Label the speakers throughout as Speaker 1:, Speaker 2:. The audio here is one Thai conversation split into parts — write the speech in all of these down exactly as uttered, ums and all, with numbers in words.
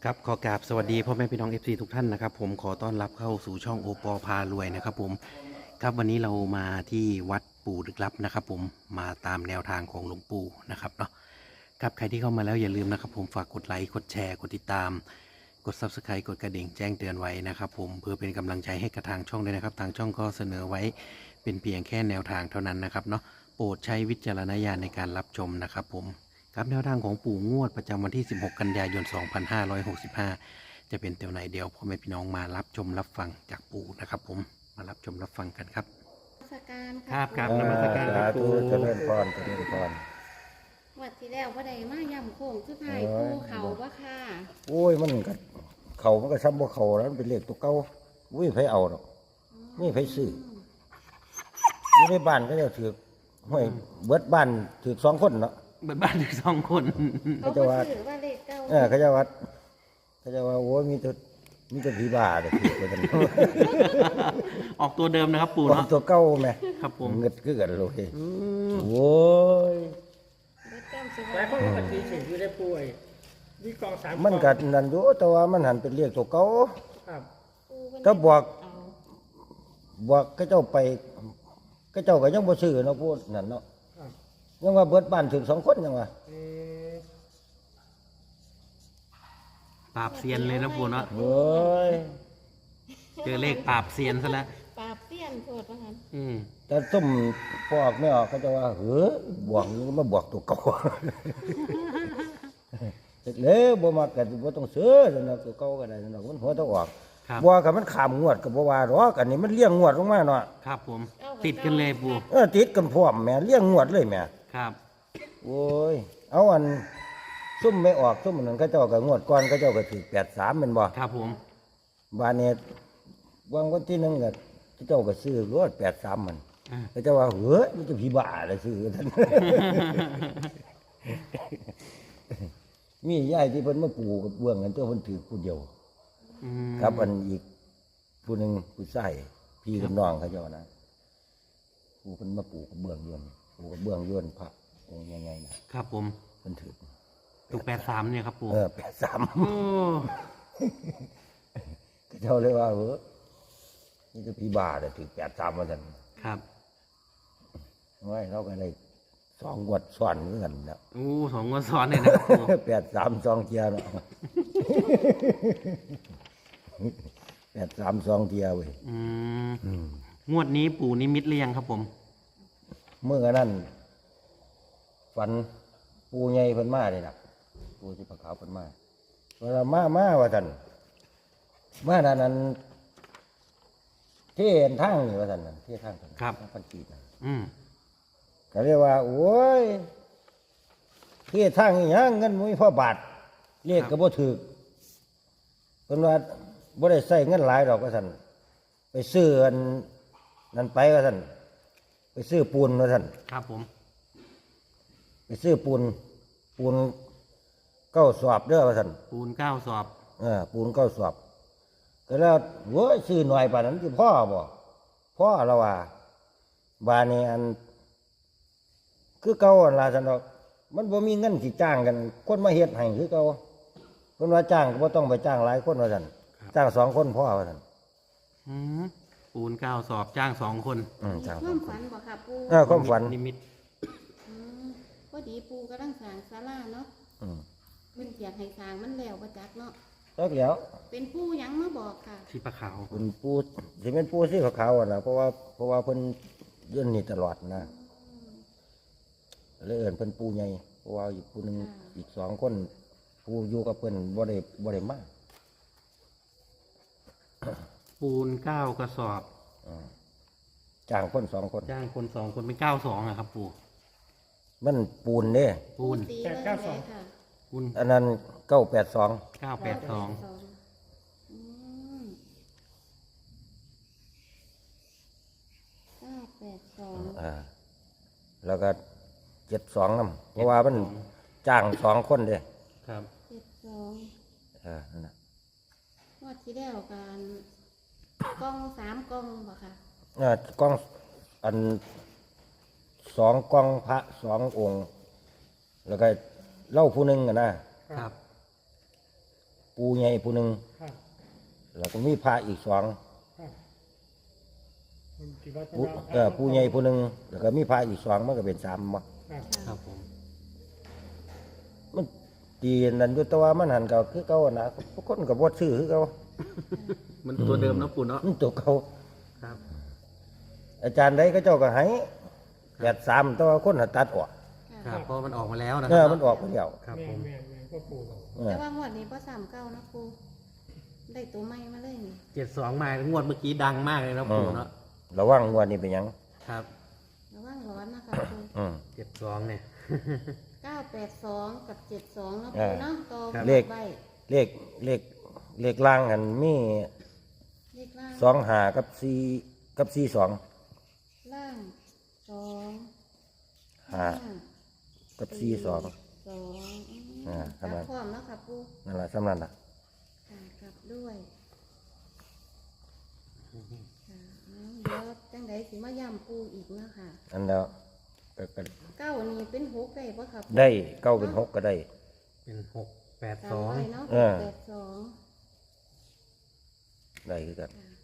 Speaker 1: ครับขอกราบสวัสดีพ่อแม่พี่น้อง เอฟ ซี ทุกท่านนะครับผมขอต้อนรับเข้าสู่ช่องโอปอพารวยนะครับผมครับวันนี้เรามาที่วัดปู่ลึกลับนะครับผมมาตามแนวทางของหลวงปู่นะครับเนาะครับใครที่เข้ามาแล้วอย่าลืมนะครับผมฝากกดไลค์กดแชร์กดติดตามกด ซับสไครบ์ กดกระดิ่งแจ้งเตือนไว้นะครับผมเพื่อเป็นกำลังใจให้กับทางช่องด้วยนะครับทางช่องก็เสนอไว้เป็นเพียงแค่แนวทางเท่านั้นนะครับเนาะโปรดใช้วิจารณญาณในการรับชมนะครับผมครับแนวทางของปู่งวดประจำวันที่สิบหกกันยายนสองพันห้าร้อยหกสิบห้าจะเป็นตัวไหนเดียวพ่อแม่พี่น้องมารับชมรับฟังจากปู่นะครับผมมารับชมรับฟังกันครับ
Speaker 2: นมัสการ
Speaker 1: ครับครับ
Speaker 2: ปู่
Speaker 1: นมัสการค
Speaker 3: สา
Speaker 1: รับ
Speaker 3: ธุ
Speaker 1: ปู่
Speaker 3: เจริญพรเจริญพร
Speaker 2: วัดที่แล้วว่าใดมาย่ำโค้งสุดท้าย
Speaker 3: โอ้ย
Speaker 2: ปูเขาว่าค่ะ
Speaker 3: โอ้ยมันก็เขามันก็ซ้ำบ่เขาแล้วมันเป็นเลขตัวเก่าอุ้ยไผเอาดอกนี่ไผซื้ออยู่ในบ้านก็จะถือห้วยเบิดบ้านถือสองคนเนาะ
Speaker 1: เบิดบ้านถึงสองคน
Speaker 2: เขา
Speaker 3: เขาจะ
Speaker 2: ก็
Speaker 3: ว่า
Speaker 2: ถือว่าเลขเก้า
Speaker 3: เออเขาจะว่าเขาจะว่าโอ้ยมีแต่มีแต่ผีบ้าแต่ถือไปกัน
Speaker 1: ออกตัวเดิมนะครับปู่
Speaker 3: ของ
Speaker 1: เนาะ
Speaker 3: ตัวเก่าแม่
Speaker 1: ครับผม
Speaker 3: เงิดคือกันเลย
Speaker 1: อืม
Speaker 3: โอ้ย
Speaker 2: เบิดแก้มสิ
Speaker 4: หลายคนก็ปฏิเสธอยู่ได้ป่วยมีกองสาม
Speaker 3: มัน
Speaker 4: ก
Speaker 3: ก็
Speaker 4: อง
Speaker 3: นั่นอยู่แต่ว่ามันหันเป็นเลขตัวเก่า
Speaker 4: ครับ
Speaker 2: ปูเพิ่น
Speaker 3: ถ้าบอก
Speaker 2: เอา
Speaker 3: บอกเขาเจ้าไปเขาเจ้าก็ยังบ่ซื้อเนาะพูดนั่นเนาะ
Speaker 4: ครับ
Speaker 3: ยังว่าเบิดบ้านถึงสองคนยังว่า
Speaker 4: เออ
Speaker 1: ปราบเซียนเลยนะปู่เนาะ
Speaker 3: เฮ้ย
Speaker 1: เจอเลขปราบเซียนซะแล้ว
Speaker 2: ปราบเสี้ยนโทษว่างั้น
Speaker 1: อืม
Speaker 3: แต่ส้มพอออกไม่ออกเขาจะว่าเฮ้ยบวกนี่มาบวกตัวเก่า เสร็จแล้วบ่มากันบ่ต้องซื้อสำหรับตัวเก่าก็ได้สำหรับมันหัวต้องออก
Speaker 1: ครับ
Speaker 3: บ่กับมันขามงวดก็บ่ว่าหรอกอันนี้มันเลี้ยงงวดลงมาเนาะ
Speaker 1: ครับผม ติดกันเลยปู่
Speaker 3: เออติดกันพร้อมแหม่เลี้ยงงวดเลยแหม่
Speaker 1: ครับ
Speaker 3: โอ้ยเอาอันซุ่มไม่ออกซุ่มนั้นเขาเจ้าก็งวดก่อนเขาเจ้าก็ถูกแปดสามแม่นบ่
Speaker 1: ครับผม
Speaker 3: บานนี้วางวันที่หนึงก็เขาเจ้าก็ซื้อรถแปดสามมัน
Speaker 1: อ่า
Speaker 3: เขาเจ้าว่าเฮ้ยมันจะผีบ้าเลยซื้อท่าน มียายที่เพิ่นมาปลูกกับเบื้องกันตัวเพิ่นถือผู้เดียว
Speaker 1: อืม
Speaker 3: ครับอันอีกผู้หนึงผู้ชายพี่กับน้องเขาเจ้านะผู้เพิ่นมาปลูกกับเบื้องยวนปลูกกับเบื้องยวนพระองค์ใหญ่ๆนะครับ
Speaker 1: ผม
Speaker 3: เพิ่นถือ
Speaker 1: ถูกแปดสามเนี่ยครับปู่
Speaker 3: เออแปดสาม
Speaker 1: โอ้
Speaker 3: เขาเจ้าเลยว่าเฮ้ยนี่จะผีบ้าเลยถือแปดสามมาท่าน
Speaker 1: ครับ
Speaker 3: ไว้เราก็ได้สองงวดซ้อนเหมือนกันนะ
Speaker 1: โอ้สองงวดซ้อนเลยนะครับปู่
Speaker 3: แปดสามสองเทียเนาะ แปดสามสองเทียเว้ย
Speaker 1: อืมงวดนี้ปู่นิมิตหรือยังครับผม
Speaker 3: เมื่อนั้นฝันปูใหญ่เพิ่นมาเลยนะปูที่ปะขาวเพิ่นมาเวลามามาว่าท่านมาด้านนั้นเที่ยนทางนี่ว่าท่านนั่นเที่ยทางท่าน
Speaker 1: ครับ
Speaker 3: ทางพันกีดน่ะ
Speaker 1: อืม
Speaker 3: ก็เรียกว่า โอ้ยเที่ยทางนี่ยังเงินมุ้ยพ่อบาทเรียกก็บ่ถูกเพิ่นว่าบ่ได้ใช้เงินหลายดอกว่าท่านไปซื้ออันนั้นไปว่าท่านไปซื้อปูนว่าท่าน
Speaker 1: ครับผม
Speaker 3: ไปซื้อปูนปูนเก้าสอบเด้อว่าท่าน
Speaker 1: ปูนเก้าสอบ
Speaker 3: เออปูนเก้าสอบก็แล้วโว้ยซื้อหน่อยป่านนั้นที่พ่อบ่พ่อเราว่าบานนี้อัน คือเก่าอันล่ะท่านดอกมันบ่มีเงินสิจ้างกัน คนมาเฮ็ดให้คือเก่าคนว่าจ้างก็บ่ต้องไปจ้างหลายคนว่าท่านจ้างสองคนพ่อว่าท่าน
Speaker 1: อืมปูนเก้าสอบจ้างสองคน
Speaker 3: อืมจ้าง
Speaker 2: ค
Speaker 3: สอ
Speaker 2: วาง ม
Speaker 3: คน
Speaker 2: ฝันบ่ค่ะปู
Speaker 3: เออความฝัน
Speaker 1: นิมิต
Speaker 2: อืมพอดีปูกำลังสร้างศาลาเนาะ
Speaker 3: อืม
Speaker 2: เพิ่นอยากให้สร้างมันแล้วบ่จักเนาะ
Speaker 3: แล้วแล้ว
Speaker 2: เป็นปูหยังมาบอกค่ะ
Speaker 1: ที่ปลาขาว
Speaker 3: เป็นปูสิเป็นปูสีขาวๆอ่ะนะเพราะว่าเพราะว่าเพิ่นเยื่นนี่ตลอดนะเลยเอิ้นเพิ่นปูใหญ่เพราะว่าอีกปูหนึงอีกสองคนปูอยู่กับเพิ่นบ่ได้บ่ได้มา
Speaker 1: ปูนเก้ากระสอบ
Speaker 3: อืมจ้างคนสองคน
Speaker 1: จ้างคนสองคนเป็นเก้าสองอะครับ ปู่
Speaker 3: มันปูนเด้
Speaker 1: ปูน
Speaker 2: ตีเลยเลยค่ะ
Speaker 1: ปูน
Speaker 3: อันนั้นเก้าแปดสอง
Speaker 1: เก้าแปดสอง
Speaker 2: อืมเก้าแปดสอง
Speaker 3: อ่าแล้วก็เจ็ดสองนำเพราะว่ามันจ้างสองคนเด้
Speaker 1: ครับ
Speaker 2: เจ็ดสอง
Speaker 3: เออนั่นน่ะ
Speaker 2: งวดที่แล้วการกล้องสามกล้องบ่ค่ะ
Speaker 3: อ่ากล้องอันสองกล้องพระสององค์ แล้วก็เล่าผู้หนึงอะนะครับปูใหญ่ผู้หนึ่ง
Speaker 4: ครับ
Speaker 3: แล้วก็มีพระอีกสอง
Speaker 4: ครับมันคิดว่า
Speaker 3: ปูเออปูใหญ่ผู้หนึ่งแล้วก็มีพระอีกสองมันก็เป็นสามบ่
Speaker 4: ครับ
Speaker 1: ครับผม
Speaker 3: มันตีนั่นอยู่แต่ว่ามันหันก็คือเก่านะทุกคนก็บ่ซื้อคือเก่า
Speaker 1: มันตัวเดิมนะปู่เนาะ
Speaker 3: มันตัวเก่า
Speaker 1: ครับ
Speaker 3: อาจารย์ใดก็เจ้าก็ให้แปดสามแต่ว่าคนหันตัดออก
Speaker 1: ครับเพราะมันออกมาแล้วนะค
Speaker 3: เอ
Speaker 1: รั
Speaker 3: อมันออกไปแล้ว
Speaker 1: ครับ
Speaker 4: แม่
Speaker 1: ผม
Speaker 4: แม่แม่พ่อปู่บอก
Speaker 3: เออ
Speaker 2: แต่ว่างวดนี้พ่สามเก้านะปูได้ตัวใหม่มาเลยนี่
Speaker 1: เจ็ดสองมางวดเมื่อกี้ดังมากเลยนะปู่เนาะ
Speaker 3: ระวังงวดนี้เป็นหยัง
Speaker 1: ครับ
Speaker 2: ระว่างร้อนนะคะปู
Speaker 3: อืม
Speaker 1: เจ็ดสองเนี่ย
Speaker 2: เก้าแปดสองกับเจ็ดสองนะ
Speaker 3: เอ
Speaker 2: ปู
Speaker 3: อ
Speaker 2: เนาะต่อ
Speaker 3: ครับ
Speaker 2: เล
Speaker 3: เล
Speaker 2: ข
Speaker 3: ข
Speaker 2: ใบ
Speaker 3: เลขเลขเลขล่างหันมี
Speaker 2: เลขล่าง
Speaker 3: สองหากับสี่กับสี่สอง
Speaker 2: ล่างสอง
Speaker 3: หากับสี่สอง
Speaker 2: สอง
Speaker 3: อ่า
Speaker 2: ครั
Speaker 3: ทำไม
Speaker 2: บพร้อมแล้วค่ะปู
Speaker 3: นั่นแหละสำนันน่ะ
Speaker 2: ค่ะกลับด้วยค่ะเอาเดี๋ยวจังไดสิมาย่ำปูอีกเนาะค่ะ
Speaker 3: อันแล้วก็ก็
Speaker 2: เก้านี่เป็นหกได้ปะครับ
Speaker 3: ได้เก้าเป็นหกก็ได้
Speaker 1: เป็นหกแปด
Speaker 2: ตา
Speaker 1: ส
Speaker 2: ม
Speaker 1: อง
Speaker 2: ไปเนาะ
Speaker 3: เออ
Speaker 2: แปดสอง
Speaker 3: ได้คือกัน
Speaker 2: ค่ะ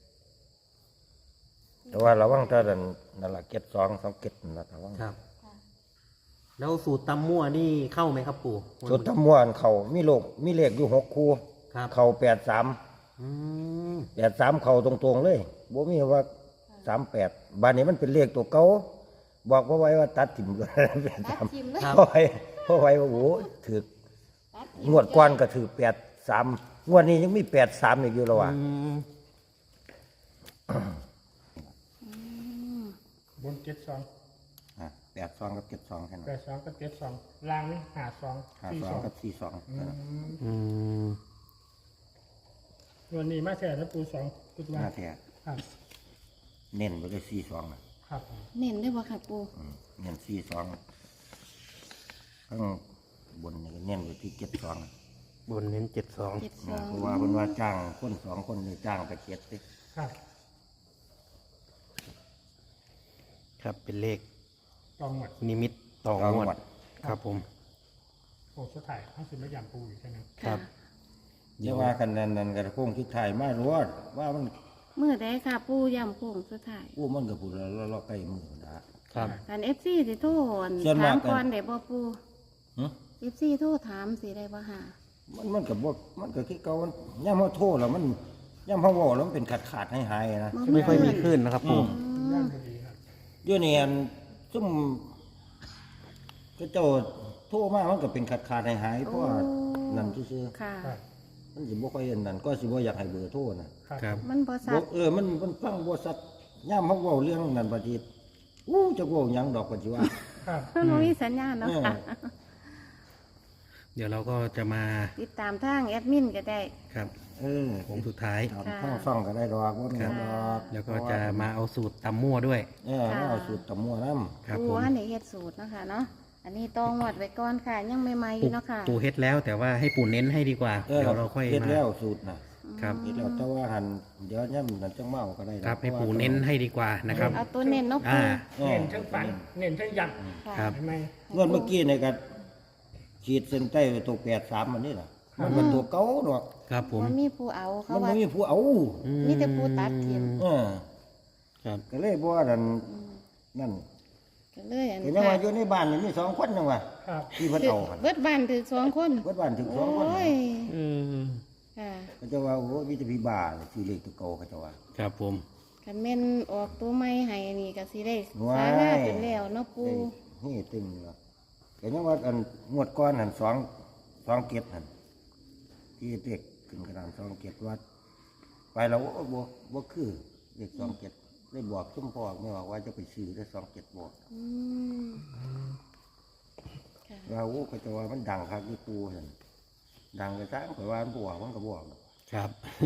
Speaker 3: แต่ว่าระวังถ้าดันนั่นละเก็ดสองสองเก็ดนั่นละระวัง
Speaker 1: ครับ
Speaker 2: ค่ะ
Speaker 1: แล้วสูตรตำมั่วนี่เข้าไหมครับปู่
Speaker 3: สุดทำมวนเขามีโลกมีเลขอยู่หกคู่
Speaker 1: ครับ
Speaker 3: เขาแปดสาม
Speaker 1: อืม
Speaker 3: แปดสามเขาตรงๆเลยบ่มีว่าสามแปดบานนี้มันเป็นเลขตัวเก่าบอกว่าไว้ว่าตัดถิ่มเลย
Speaker 2: ตัดทิมเลย
Speaker 3: เพราะไว้เพราะไว้ว่าโอ้ถือ
Speaker 2: ตัดทิม
Speaker 3: งวดก่อนก็ถือแปดสามงวดนี้ยังมีแปดสามอีกอยู่แล้วว่ะ
Speaker 1: อืม
Speaker 2: อืม
Speaker 4: บนเจ็ดสอง
Speaker 3: แปดสองกับเจ็ดสองแค่นั้
Speaker 4: แป
Speaker 3: น
Speaker 4: ดสองกับเจ็ดสองล่างนี่หาสอง
Speaker 3: ห้า
Speaker 4: สี่
Speaker 3: ส
Speaker 4: ส
Speaker 3: อ
Speaker 4: อง ง
Speaker 3: กับสี่สอง
Speaker 4: อืม
Speaker 1: อืม
Speaker 4: วันนี้มาแช่แล้วปูสองกุด
Speaker 3: ห
Speaker 4: ว่า
Speaker 3: น้าแท้
Speaker 4: ครับ
Speaker 3: เน้นไปเลยสี่สองนะครับ
Speaker 2: เน้นได้ปะค่ะปู
Speaker 3: อืมเน้นสี่สองข้างบนนี่ก็เน้นไปที่เจ็ดสอง
Speaker 1: บนเน้นเจ็ดสอง
Speaker 2: เจ็ดสอง
Speaker 3: เพราะว่าเพิ่นว่าจ้างคนสองคนนี่จ้างไปเจ็ดสิ
Speaker 4: ครับ
Speaker 1: ครับเป็นเลข
Speaker 4: กองหมด
Speaker 1: นิมิตต่องวดครับผม
Speaker 4: โอ้สุดท้ายเขาสิมาย่ำปูอยู่ใช่ไหม
Speaker 1: ครั
Speaker 2: ค่ะ
Speaker 1: บ
Speaker 3: เดี๋ยวว่ากันนั่นนั่นกระโค้งที่ถ่ายมารู้ว่าว่ามัน
Speaker 2: เมื่อใดค่ะปูย่ำโค้งสุดท้าย
Speaker 3: อู้มันก็พูดแล้วเราใกล้มือนะครับ
Speaker 2: การเอฟซีสิโทร
Speaker 3: ส่วนาก
Speaker 2: ถามม
Speaker 3: กัน
Speaker 2: ก่อนได้บ่ปู
Speaker 3: หึ
Speaker 2: เอฟซีโทรถามสิได้บ่ค่ะ
Speaker 3: มันมันก็บ่มันก็คือเก่ามันย่ำเฮาโทษแล้วมันย่ำเฮาเว้าแล้วมันเป็นขาดขาดๆหายๆนะ
Speaker 1: ไม่ค่อยมีขึ้นนะครับปู่
Speaker 4: ย่ำพอดีครับ
Speaker 3: เดี๋ยวนี้อันซุ่มก็เจ้าโทรมามันก็เป็นขาดขาดๆหายๆเพราะว่านั่นซื่อ
Speaker 2: ค่ะ
Speaker 4: ครับ
Speaker 3: ๆมันสิบ่ค่อยอันนั้นก็สิบ่อยากให้เบอร์โทรนะ
Speaker 4: ครับ
Speaker 1: ครับ
Speaker 2: มันบ่ซั
Speaker 3: บ่
Speaker 2: ด
Speaker 3: เออมันมันฟังบ่ชัดย่ำเฮาเว้าเรื่องนั้นบัดนี้อู้จักเว้าหยังดอกก็สิว่า
Speaker 4: ครับ
Speaker 2: มันบ่มีสัญญาณเนาะค่ะ
Speaker 1: เดี๋ยวเราก็จะมา
Speaker 2: ติดตามทางแอดมินก็ได้
Speaker 1: ครับ
Speaker 3: เออ
Speaker 1: ผมสุดท้าย
Speaker 3: ทำข้างซ่องก็ได้ดอกว่ามีหยังดอก
Speaker 1: แล้วก็จะมาเอาสูตรตำมั่วด้วย
Speaker 3: เออมาเอาสูตรตำมั่วน้ำ
Speaker 1: ครับ
Speaker 2: ปู
Speaker 1: ผม
Speaker 2: อันนี้เฮ็ดสูตรเนาะคะเนาะอันนี้ต้องงวดไว้ก่อนค่ะ ยังใหม่ๆอยู่เนาะค่ะ
Speaker 1: ปู่เฮ็ดแล้วแต่ว่าให้ปู่เน้นให้ดีกว่า
Speaker 3: เออ
Speaker 1: เดี๋ยวเราค่อย
Speaker 3: เฮ็ด
Speaker 1: มา
Speaker 3: แล้วสูตรนะครับ เฮ็ดแล้วแต่ว่าหันเดี๋ยวย่ำนั่นจังเมาก็ได้ดอก
Speaker 1: ครับให้ปู่เน้นให้ดีกว่านะครับ
Speaker 2: เอาตัวเน้นเนาะปู
Speaker 1: อ่า
Speaker 3: เออ
Speaker 4: เน้นทั้งฝันเน้นทั้งยัน
Speaker 2: ค่ะ
Speaker 1: ครับ
Speaker 4: เห็นไหม
Speaker 3: เงินเมื่อกี้นี่ก็ขีดเส้นใต้ไว้ตัวแปดสามมันนี่ล่ะมันเป็นตัวเก่าดอก
Speaker 1: ครับผม
Speaker 2: มันมีผู้เอาเขา
Speaker 3: มัน
Speaker 2: ว่า
Speaker 3: ไม่มีผู้เอา
Speaker 1: อื
Speaker 2: มีแต่ผู้ตัดเทียม
Speaker 3: เออ
Speaker 1: ครับ
Speaker 3: ก็เลยบ่ว่านั่นนั่น
Speaker 2: ก็เลยอัน
Speaker 3: ก็ยังว่าอยู่ในบ้านนี่มีสองคนจังว่า
Speaker 4: ครับ
Speaker 3: ที่เพิ่นเอาหั่น
Speaker 2: เบิดบ้านถึงสองคน
Speaker 3: เบิดบ้านถึงส
Speaker 2: โอ้
Speaker 3: องคน
Speaker 2: ย
Speaker 1: อืม
Speaker 2: ค่ะ
Speaker 3: ก็จะว่าโอ้มีแต่พี่บ้าชื่อเลขตัวเก่าเขาจะว่า
Speaker 1: ครับผม
Speaker 2: คันแม่นออกตัวใหม่ให้นี่ก็สิได้
Speaker 3: ว้าย
Speaker 2: สาราเป็นแล้วเนาะปู
Speaker 3: ได้นี่เต็มเลยก็ยังว่าอันงวดก้อนหันสองสองเก็ดหันที่เด็กขึ้นกระดานสองเก็ดวัด ไปแล้วโอ้บ่บ่คือเด็กสองเก็ดได้บอกซุ่มพ่อไม่บอกว่าจะไปซื้อได้สองเก็ดบอก
Speaker 2: อืมค่ะ
Speaker 3: ว่าโอ้ก็จะว่ามันดังครับที่ปูเห็นดังกระซ้างข่อยว่ามันบวกมันก็บวก
Speaker 1: ครับ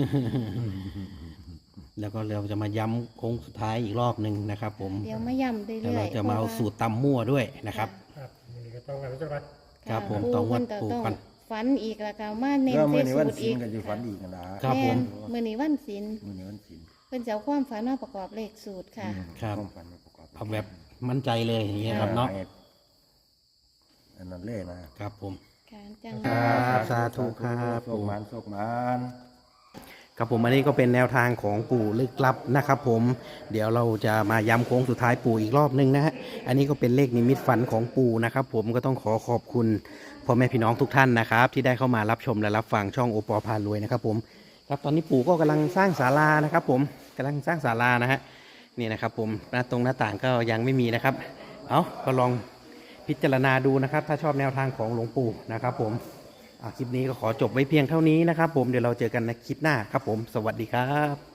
Speaker 1: แล้วก็เราจะมาย้ำโค้งสุดท้ายอีกรอบหนึ่งนะครับ ผม
Speaker 2: เดี๋ยวมาย่ำเรื่
Speaker 1: แล้ว
Speaker 2: อย
Speaker 1: เรา
Speaker 2: ๆ
Speaker 1: จะมาเอาสูตรตำมั่วด้วยนะครับ
Speaker 4: ครับนี่ก็ต้องกันแล้วจังหวัด
Speaker 1: ครับผม
Speaker 2: ปู
Speaker 1: ต้องวัด
Speaker 2: เพิ่น
Speaker 1: ปู
Speaker 2: ต้อง
Speaker 1: กัน
Speaker 2: ฝันอีกแล้วก็มาเน้น
Speaker 3: เมื่อ
Speaker 2: เท
Speaker 3: มื่อนี้
Speaker 2: สู
Speaker 3: วัน
Speaker 2: ตร
Speaker 3: ศี
Speaker 2: อี
Speaker 3: ล
Speaker 2: ก
Speaker 3: ก็จะฝันอีกนะครับ
Speaker 1: ครับผม
Speaker 2: แนมื้อนี้วันศีล
Speaker 3: มื่อนี้วันศีล
Speaker 2: เพิ่นจะเอาความฝันมาประกอบเลขสูตรค่ะ
Speaker 1: ครับ
Speaker 3: ความฝันมาประกอบ
Speaker 1: เอาแบบมั่นใจเลยอย่างเงี้ยครับเนาะ
Speaker 3: อันนั้นเล่นะครับ
Speaker 1: ผม
Speaker 2: การจัง
Speaker 1: ครับสาธุครับ
Speaker 3: โชคหมานโชคหมาน
Speaker 1: ครับผมอันนี้ก็เป็นแนวทางของปู่ลึกลับนะครับผมเดี๋ยวเราจะมาย้ำโค้งสุดท้ายปู่อีกรอบนึงนะฮะอันนี้ก็เป็นเลขนิมิตฝันของปู่นะครับผมก็ต้องขอขอบคุณพ่อแม่พี่น้องทุกท่านนะครับที่ได้เข้ามารับชมและรับฟังช่องโอปอพารวยนะครับผมครับตอนนี้ปู่ก็กำลังสร้างศาลานะครับผมกำลังสร้างศาลานะฮะนี่นะครับผมหน้าตรงหน้าต่างก็ยังไม่มีนะครับเอาก็ลองพิจารณาดูนะครับถ้าชอบแนวทางของหลวงปู่นะครับผมอ่ะคลิปนี้ก็ขอจบไว้เพียงเท่านี้นะครับผมเดี๋ยวเราเจอกันในคลิปหน้าครับผมสวัสดีครับ